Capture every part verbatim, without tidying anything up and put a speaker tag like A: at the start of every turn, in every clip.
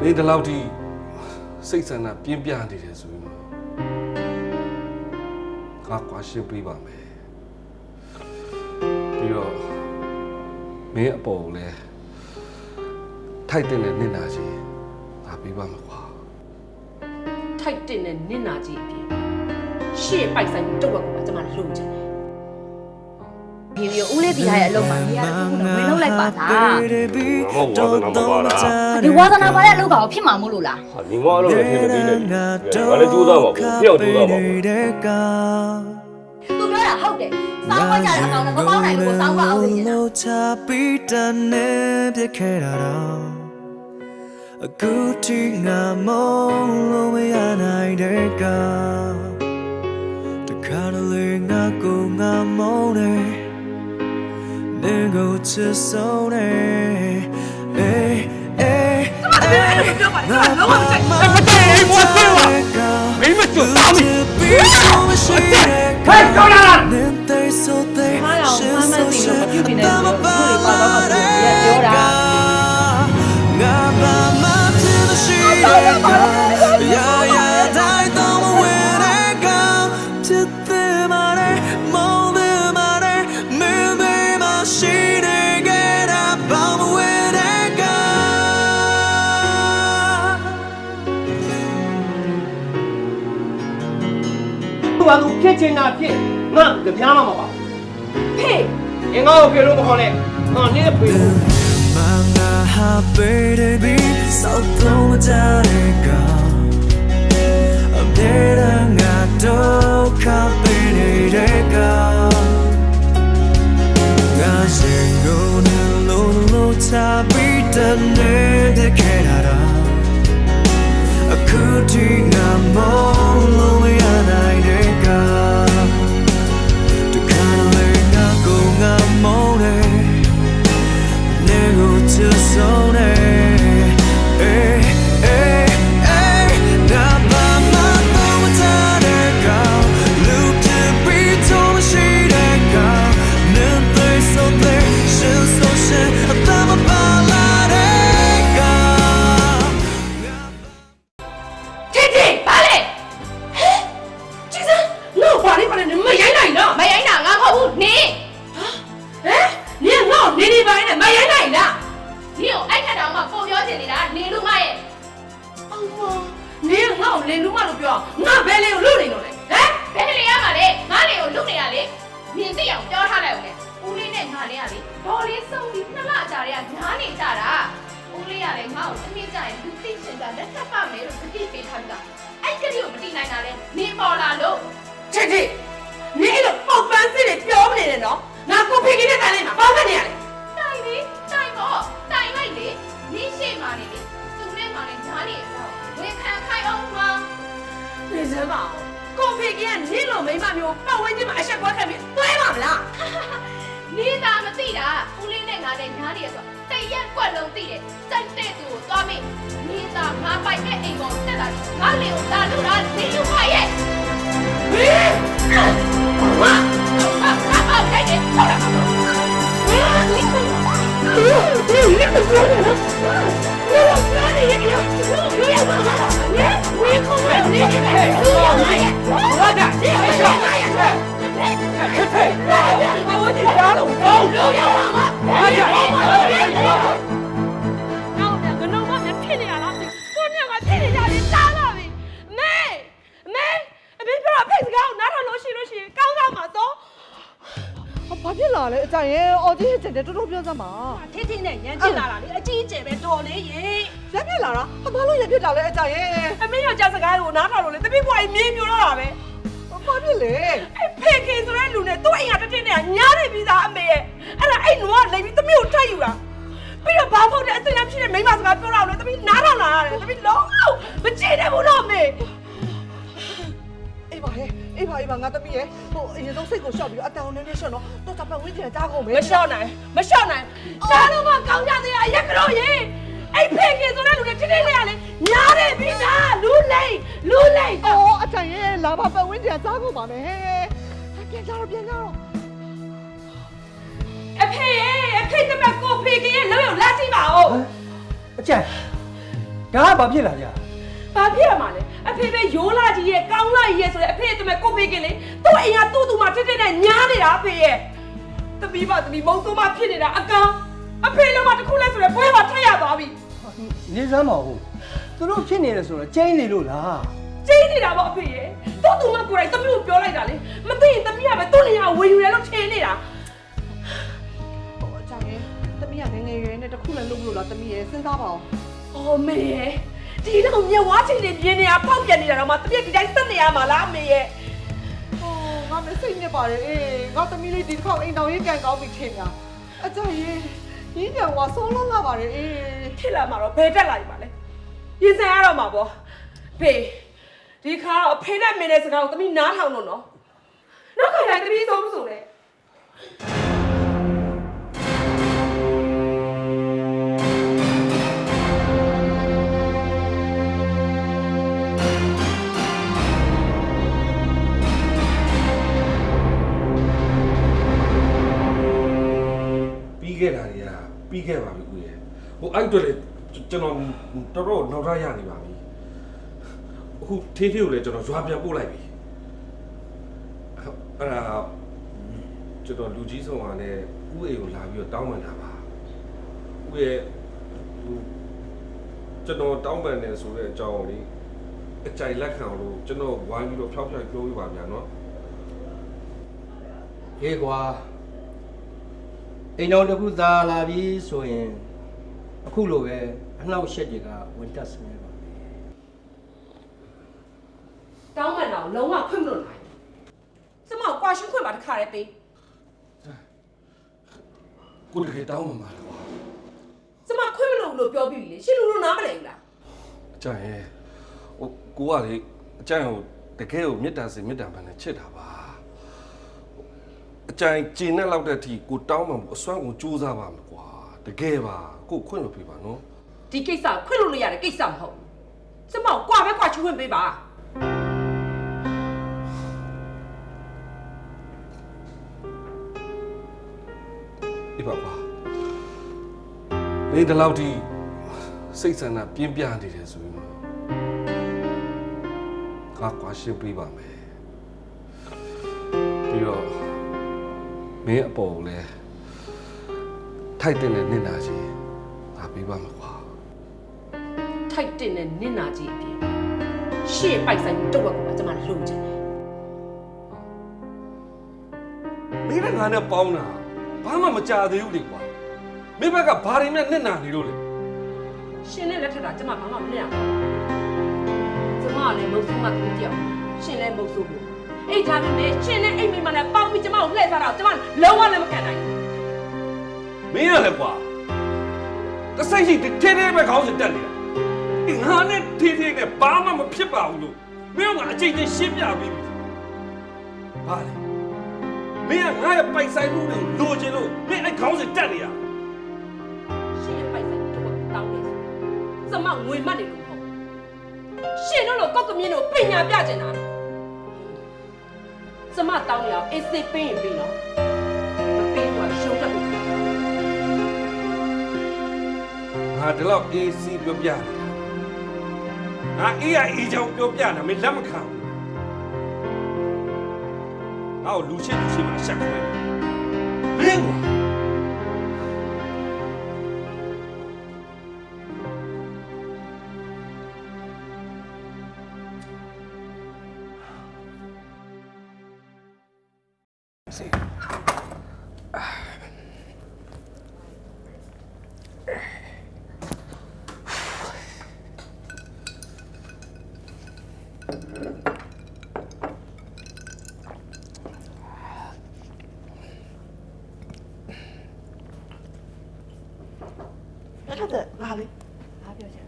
A: နေတလောက်ထိစိတ်ဆန္ဒပြင်းပြနေတယ်ဆိုရင်တော့ငါကွာရှင်းပေးပါမယ်ပြီးတော့မင်းအပေါ်ကိုလည်းထိုက်တဲ့နဲ့နင့်နာကြီးငါပေးပါမှာကွာ
B: ထိုက်တဲ့နဲ့နင့်နာကြီးအပြင်ရှေ့ပိုက်ဆိုင်တုတ်ဝက်ကိုကျွန်မလုံချင်တယ်
C: ဒီဗီဦးလေးဒီဟာရဲ့အလုပ်မှာနေရာတစ်ခုတော့ဝင်လောက်လိုက်ပါလားဒီဝါသနာပါတဲ့အလုပ်ကောင်ဖြစ်မှာမို့လို့လား
D: ဟာညီမအလုပ်လည်းဖြစ်မပြီးနဲ့ငါလည်းကြိုးစားပါဘူးဖျောက်ကြိုးစားပါဘူး
C: သူပြောတာဟုတ်တယ်စောင်းခွက်ကြတဲ့အကောင်နဲ့မပေါင်းနိုင်ဘူးကိုစောင်းခွက်အောင်နေနေတာ
E: အခုထိငါမလို့မရနိုင်တဲ့ကတခါတလေငါကိုငါမုန်းတယ်နေကိုချစ်ဆုံးတယ်အေးအေးငါလုံးဝမကြိုက်ဘူးမကြိုက်ဘူးဘာဖြစ်လဲမင်းမကြိုက်ဘူးဟဲ့ကြောက်လာလားနင်းတဲ့ဆိုတဲ့ရှင်းဆိုရှင်းတမပါလာတဲ့ပြောတာငါဘာမှရှိတဲ့ကရာရာတိုင်းတော့မဝင်တဲ့ကချစ်တဲ့မနဲ့မောင်းတဲ့မနဲ့မင်းသေးမရှိတဲ့ကတာဘာမဝင်တဲ့က
F: သူကသူဖြစ်ချင်တာဖြစ်ငါတပြားမှမပါဖေးငါ့ကိုဖေလို့မခေါ်နဲ့ငါနင်းဖေလို့
E: Baby, so don't take I'm dead and I don't copy it. I say go no no no tabi done the Canada. A cootie I'm all over and I take to kind of go I'm on it. Never to zone eh eh eh na ba ma no ta de ga look to be to she de ga no they so they shin so shin ta ma ba la de ga
B: Titi ba le Ji san no ba le ba le ma yai nai no
C: မရိုင်းတာငါမဟုတ်ဘူးနင်း
B: ဟမ်နင်ငေါ့နေနေပိုင်းနဲ့မရိုင်းနိုင်လား
C: နင်းကိုအိုက်ခတ်တောင်မှပုံပြောချင်နေတာနင်းလူမရဲ့
B: အော်မနင်ငေါ့လင်လူမလို့ပြောငါဘယ်လေကိုလူနေလို့လဲဟမ်
C: ဘယ်လေရမှာလဲငါလေကိုလူနေရလေနင်းသိအောင်ပြောထားလိုက်ဦးလေဦးလေးနဲ့ငါလေးကလေဒေါ်လေးစုံပြီးနှစ်လကြာတွေကညားနေကြတာဦးလေးကလည်းငါ့ကိုတစ်နေ့ကြာရင်လူသိချင်တာလက်ထပ်ပါမယ်လို့တတိပေးထားတာအဲ့ကလေးကိုမတိနိုင်တာလဲနင်းပေါ်လာလို့
B: ချစ်ချစ်နင်အဲ့လိုပေါက်ပန်းစစ်တွေပြောမနေနဲ့နော်ငါကိုဖေးကင်းနဲ့တိုင်လိုက်မှာပေါက်ကနေရလေ
C: တိုင်လေတိုင်ပေါ့တိုင်လိုက်လေနင်းရှိမှနေလေသူနဲ့မှလည်းညားနေအောင်ဝေခံခိုင်းအောင်ပါ
B: နေစမ်းပါကိုဖေးကင်းကနင်လိုမိမမျိုးပတ်ဝန်းကျင်မှာအဆက်ကွာခံပြီးသွဲပါမလား
C: နင်းသာမသိတာဦးလေးနဲ့ငါနဲ့ညားနေရဆိုတရက်ကွက်လုံးသိတယ်စိုက်တဲ့သူကိုသွားမေးနင်းသာငါပိုက်တဲ့အိမ်ပေါ်တက်လာငါလေကိုလာလို့လားနင်းလူမရဲ့
B: ဟေး
C: ဟာဟာဟာဟာတဲ့တဲ့ဟုတ်လားဟေးနင်း
B: ဒီနေ့ကပြောတယ်နော်ဘယ်လိုပြောနေရလဲဒီရပါလားနင်ဝေးခုမဲ့နေတယ်ဟဲ့ဘာသာဒီအရှောင်းရဟဲ့ဟဲ့ဟဲ့ဘာလို့ဒီကြားလို့ဘောင်းလို့ရပါမလားဘာရအောင်လဲ
G: နောက်ပြန်ကနုံမပြန်ဖြစ်နေရလားကိုညကဖြစ်နေကြတယ်တားလာပြီမေမေအမေပြောအဖေစကားကိုနားထောင်လို့ရှိလို့ရှိရင်ကောင်းကောင်းမှာတော့
H: ဘာဖြစ်လာလဲအကြိုင်ရဲ့အော်ကြီးကျတဲ့တော်တော်ပြောစမ်းပါ
G: ထင်းထင်းနဲ့ရမ်းချစ်လာတာလေအကြီးအကျယ်ပဲတော်လေးရေ
H: ရပြစ်လာတာအမလို့ရပြစ်လာလဲအကြိုင်ရဲ့
G: အမေယောက်ျားစကားကိုနားထောင်လို့လေတပိပွားကြီးမြင်းပြိုတော့တာပဲ
H: ဘာဖြစ်လဲ
G: အဲ့ဖေခင်ဆိုတဲ့လူနဲ့သူ့အိမ်ကတတင်းနဲ့ညားနေပြီးသားအမေရဲ့အဲ့ဒါအဲ့နွားလိမ့်ပြီးတမိကိုထပ်ယူတာပြီးတော့ဘာဖို့တဲ့အစိမ်းအဖြစ်တဲ့မိန်းမစကားပြောတော့လေတပိနားထောင်လာရတယ်တပိလုံးမကြည့်နိုင်ဘူးတော့မေ
H: အေးပါဟဲ့အေးပါအေးပါငါတပည့်ရဲ့ဟိုအရင်ဆုံးစိတ်ကိုရှော့ပြီးတော့အတန်ကိုနည်းနည်းရှော့နော်တော့တပ်ပတ်ဝင်းကျင်ကြားကုန်မယ်
G: မရှော့နိုင်မရှော့နိုင်ရှားတော့မှကောင်းကြသေးတာရက်ကြောရေအဲ့ဖေခင်ဆိုတဲ့လူနဲ့တင်းတင်းလေးကလေညားတယ်ပြီးသားလူလိမ့်လူလိမ့်
H: အော်အကြိုင်ရဲ့လာပါပတ်ဝင်းကျင်ကြားကုန်ပါမယ်ဟဲ့ပြန်ကြတော့ပြန်ကြတော့
G: အဖေရဲ့အဖေတမကိုဖေခင်ရဲ့လောက်ရောက်လာကြည့်ပါဦး
F: အကျန်ဒါကဘာဖြစ်လာကြ
G: ဘာဖြစ်ရမှာလဲအဖေပဲရိုးလာကြီးရဲ့ကောင်းလာကြီးရဲ့ဆိုတဲ့အဖေတမဲကိုဖေးကလေးသူ့အိမ်ကသူ့သူမှတစ်တစ်နဲ့ညားနေတာအဖေရဲ့သမီးပါသမီးမုံဆိုးမဖြစ်နေတာအကောင်အဖေလုံးမတစ်ခုလဲဆိုတော့ဘွဲမှာထက်ရသွားပြီ
F: နေစမ်းမဟုတ်သူတို့ဖြစ်နေတယ်ဆိုတော့ကျင်းနေလို့လား
G: ကျင်းနေတာပေါ့အဖေရဲ့သူ့သူမှကိုယ်တိုင်သမီးကိုပြောလိုက်တာလေမသိရင်သမီးကပဲသူ့နေရာဝေယူတယ်လို့ထင်နေတာ
H: ဟိုအကြောင်းရင်းတမီးကငယ်ငယ်ရွယ်နဲ့တခုလည်းလုပ်လို့လားတမီးရဲ့စဉ်းစားပါအောင်
G: အော်မေရဲ့ဒီတော့မြေဝါချင်းနေပြင်းနေတာပေါက်ပြန်နေတာတော့မှတပြက်ဒီတိုင်းစက်နေရမှာလားမေရဲ့
H: ဟိုငါမစိတ်နဲ့ပါတယ်အေးငါတမီးလေးဒီတစ်ခေါက်အိမ်တော်ရေးကန်ကောင်းပြီထင်များအကြောင်းရင်းရင်းပြောင်ကဆုံးလုံးလာပါတယ်အေး
G: ဖြစ်လာမှာတော့ဘယ်တက်လာပြီပါလဲရင်ဆိုင်ရတော့မှာပေါ့ဖေဒီခါတော့အဖေနဲ့မင်းနဲ့စကားကိုသမီးနားထောင်လို့နော်နောက်ခါတိုင်းသမီးဆုံးမဆိုလဲ
A: ပြီးခဲ့တာတွေကပြီးခဲ့ပါပြီကိုရဲ့ဟိုအဲ့အတွက်လေကျွန်တော်တော်တော်နောက်ထပ်ရနေပါပြီအခုထေးထေးကိုလည်းကျွန်တော်ရွာပြန်ပို့လိုက်ပြီအဲ့ဒါကျွန်တော်လူကြီးဆောင်ကလည်းဥအိမ်ကိုလာပြီးတော့တောင်းပန်တာပါဥရဲ့ဟိုကျွန်တော်တောင်းပန်တယ်ဆိုတဲ့အကြောင်းကိုလေအကြိုက်လက်ခံလို့ကျွန်တော်ဝိုင်းပြီးတော့ဖျောက်ဖျောက်ပြောပြပါဗျာနော်
F: ဟေးကွာအိမ်တော်တစ်ခုသာလာပြီဆိုရင်အခုလိုပဲအနှောက်အယှက်တွေကဝင်တက်စနေပါ
G: တောင်းမှန်တော့လုံးဝခွင့်မလို့နိုင်စမောက်ကွာရှင်းခွင့်ပါတခါရဲပေး
A: ကိုတကယ်တောင်းပန်ပါလားကွာ
G: စမောက်ခွင့်မလို့လို့ပြောပြီးလေရှင်လူလူနားမလဲဘူးလား
A: အကျန်ရဲ့ဟိုကိုကလေအကျန်ကိုတကယ်ကိုမေတ္တာစင်မေတ္တာပန်နဲ့ချစ်တာပါအကျန်ကျင်နဲ့လောက်တဲ့အထိကိုတောင်းပန်ဖို့အစွမ်းကိုကြိုးစားပါမယ်ကွာတကယ်ပါကိုခွင့်လို့ပြပါနော်
G: ဒီကိစ္စခွင့်လို့လို့ရတဲ့ကိစ္စမဟုတ်စမောက်ကွာပဲကွာချခွင့်ပေးပါ
A: ဒီပါကွာနေဒီလောက်ထိစိတ်ဆန္ဒပြင်းပြနေတယ်ဆိုရင်တော့ငါကွာရှင်းပေးပါမယ်ပြီးတော့မင်းအပေါ်ကိုလည်းထိုက်တဲ့နဲ့နင့်နာချင်းငါပေးပါမယ်ကွာ
G: ထိုက်တင်တဲ့နင့်နာကြီးအပြင်ရှေ့ပိုက်ဆိုင်တုတ်ဝက်ကကျွန်မလုံချင်တယ်
A: မင်းကငါနဲ့ပေါင်းတာဘာမှမကြသေးဘူးလေကွာမင်းဘက်ကဘာတွေနဲ့နင့်နာနေလို့လဲ
G: ရှင်နဲ့လက်ထက်တာကျွန်မဘာမှမလုပ်ရဘူးကျွန်မကလည်းမုတ်ဆိုးမှသူကြောက်ရှင်လည်းမုတ်ဆိုးဘူးအဲ့ဒါပေမဲ့ရှင်နဲ့အိမ်မိမနဲ့ပေါင်းပြီးကျွန်မကိုလှည့်စားတော့ကျွန်မလုံးဝလည်းမကန်နိုင်ဘူး
A: မင်းရလဲကွာတစိတ်ရှိတထဲထဲပဲခေါင်းစဉ်တက်နေတာဒီငါနဲ့ထေးထေးနဲ့ဘာမှမဖြစ်ပါဘူးလို့မင်းကအချိန်ချင်းရှင်းပြပြီးပြီဟာလေမင်းကငါရဲ့ပိုက်ဆိုင်မှုတွေကိုလိုချင်လို့မင်းအဲ့ခေါင်းစဉ်တက်နေရ
G: ရှင်ရဲ့ပိုက်ဆိုင်တုတ်ဝက်တောင်းနေဆိုကျွန်မငွေမှတ်နေလို့မဟုတ်ရှင်တို့လိုကောက်ကမြင်းတို့ပညာပြကျင်တာကျွန်မတောင်းနေအောင်အေးစေးပေးရင်ပေးနော်မပေးတော့ရှုံးတတ်ဘူး
A: ငါဒီလောက်အေးစီးပြောပြနေတာငါအေးရအေးချောင်းပြောပြတာမင်းလက်မခံဘူးငါ့ကိုလူချင်းလူချင်းမှာရှက်ခွဲမင်းကွာ
H: အဲ့ဒါငါလေး
B: ဘာပြောချင်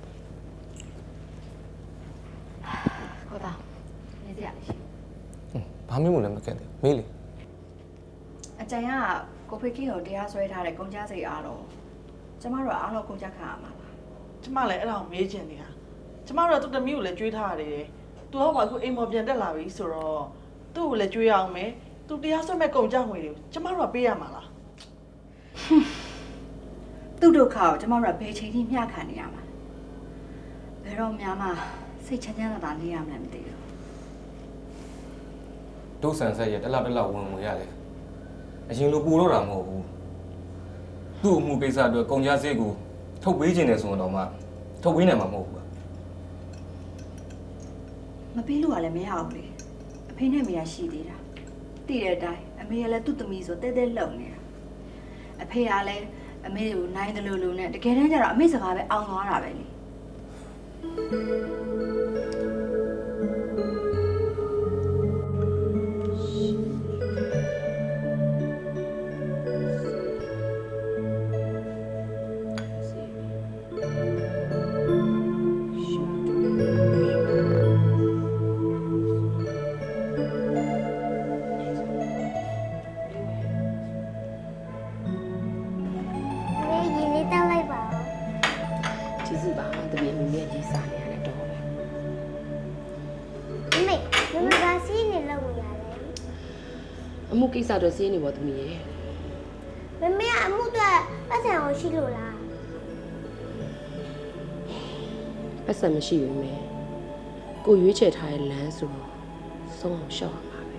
B: ကိုသားနေကြရလေရှင်
I: ဘာမှမလည်းမကက်သေးမေးလေ
B: အကြံကကိုဖေကင်းကိုတရားစွဲထားတဲ့ကုန်ကြစိတ်အားလုံးကျမတို့ကအားလုံးကုန်ကြခံရမှာပါ
H: ကျမလည်းအဲ့ဒါကိုမေးချင်နေတာကျမတို့ကသူ့တမီးကိုလည်းကြွေးထားရတယ်သူကဘာအခုအိမ်ပေါ်ပြန်တက်လာပြီဆိုတော့သူ့ကိုလည်းကြွေးအောင်မယ်သူတရားစွဲမဲ့ကုန်ကြငွေတွေကိုကျမတို့ကပေးရမှာလား
B: သူ့ဒုက္ခကိုကျမတို့ကဘယ်ချိန်ထိမျှခံနေရမှာလဲဘယ်တော့မှစိတ်ချမ်းချမ်းသာသာနေရမှန်းမသိဘူး
I: ဒုဆန်ဆက်ရတက်လောက်တက်လောက်ဝင်ဝင်ရတယ်အရင်လိုပူတော့တာမဟုတ်ဘူးသူ့အမှုကိစ္စအတွက်ကုန်ကြစည်ကိုထုတ်ပေးခြင်းတယ်ဆိုတော့မှထုတ်ပေးနိုင်မှာမဟုတ်ဘူး
B: မပေးလို့ကလည်းမရဘူးလေအဖေနဲ့မေကရှိသေးတာတည်တဲ့အတိုင်းအမေကလည်းသူ့သမီးဆိုတဲတဲလှုပ်နေတာအဖေကလည်းအမေကိုနိုင်တယ်လို့လို့နဲ့တကယ်တမ်းကျတော့အမေစကားပဲအောင်းသွားတာပဲလေ
J: ကျေးဇူးပါတမီးမိမိရေးစားနေရတဲ့တော့ပဲ
K: မမေမမကစီးနေလောက်ဝင်ရတယ်
J: အမှုကိစ္စတော့စီးနေပါတမီးရေ
K: မမေကအမှုတော့ပတ်စံအောင်ရှိလို့လား
J: ပတ်စံမရှိဘူးမေကိုရွေးချယ်ထားတဲ့လမ်းဆိုတော့ဆုံးအောင်ရှောက်ရမှာပဲ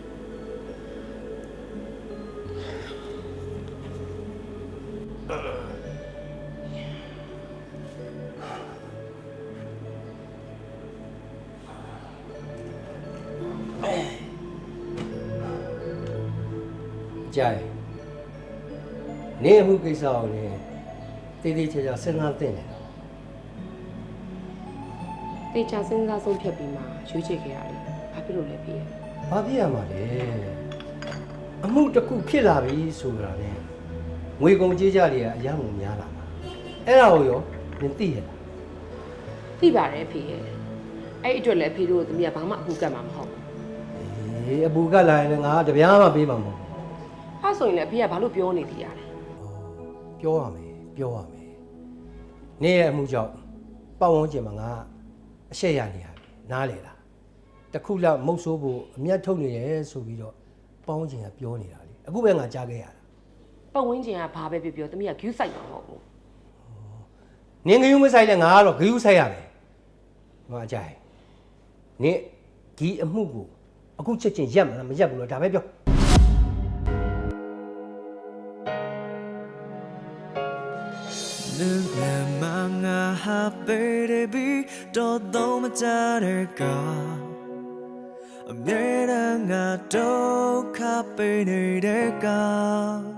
F: ကြိုင်နေမှုကိစ္စကိုလည်းတေးသေးချာချာစဉ်းစားသင့်တယ်
J: တေချာစဉ်းစားဆုံးဖြတ်ပြီးမှရွေးချယ်ခဲ့ရတယ်ဘာဖြစ်လို့လဲဖေ
F: ။ဘာဖြစ်ရမှာလဲ။အမှုတစ်ခုဖြစ်လာပြီဆိုတာနဲ့ငွေကုန်ကြေးကြတွေကအများကြီးများလာမှာ။အဲ့ဒါကိုရောမသိရလား
J: သိပါတယ်ဖေရဲ့အဲ့အတွက်လည်းဖေတို့သမီးကဘာမှအမှုကတ်မှာမဟုတ်ဘူး
F: ။အေးအပူကလာရင်လည်းငါတပြားမှပေးမှာမဟုတ်ဘူး
J: အဲ့ဆိုရင်လည်းဖေကဘာလို့ပြောနေသေးရလဲ
F: ။ပြောရမယ်ပြောရမယ်။နေရဲ့အမှုကြောင့်ပတ်ဝန်းကျင်မှာငါအရှက်ရနေရပြီ။နားလေလား။တစ်ခုလောက်မုတ်ဆိုးဖို့အမျက်ထုတ်နေရဲဆိုပြီးတော့ပတ်ဝန်းကျင်ကပြောနေတာလေ။အခုပဲငါကြားခဲ့ရတာ
J: ပတ်ဝန်းကျင်ကဘာပဲပြောပြောသမီးကဂယူးဆိုင်မှာမဟုတ်ဘူး
F: ။နင်ဂယုမဆိုင်နဲ့ငါကတော့ဂယုဆိုင်ရမယ်။ငါအကြိုင်နင်ဒီအမှုကိုအခုချက်ချင်းရက်မလားမရက်ဘူးလို့ဒါပဲပြော
E: Look at my heart, baby, don't know my daughter. I'm getting a dog, happy,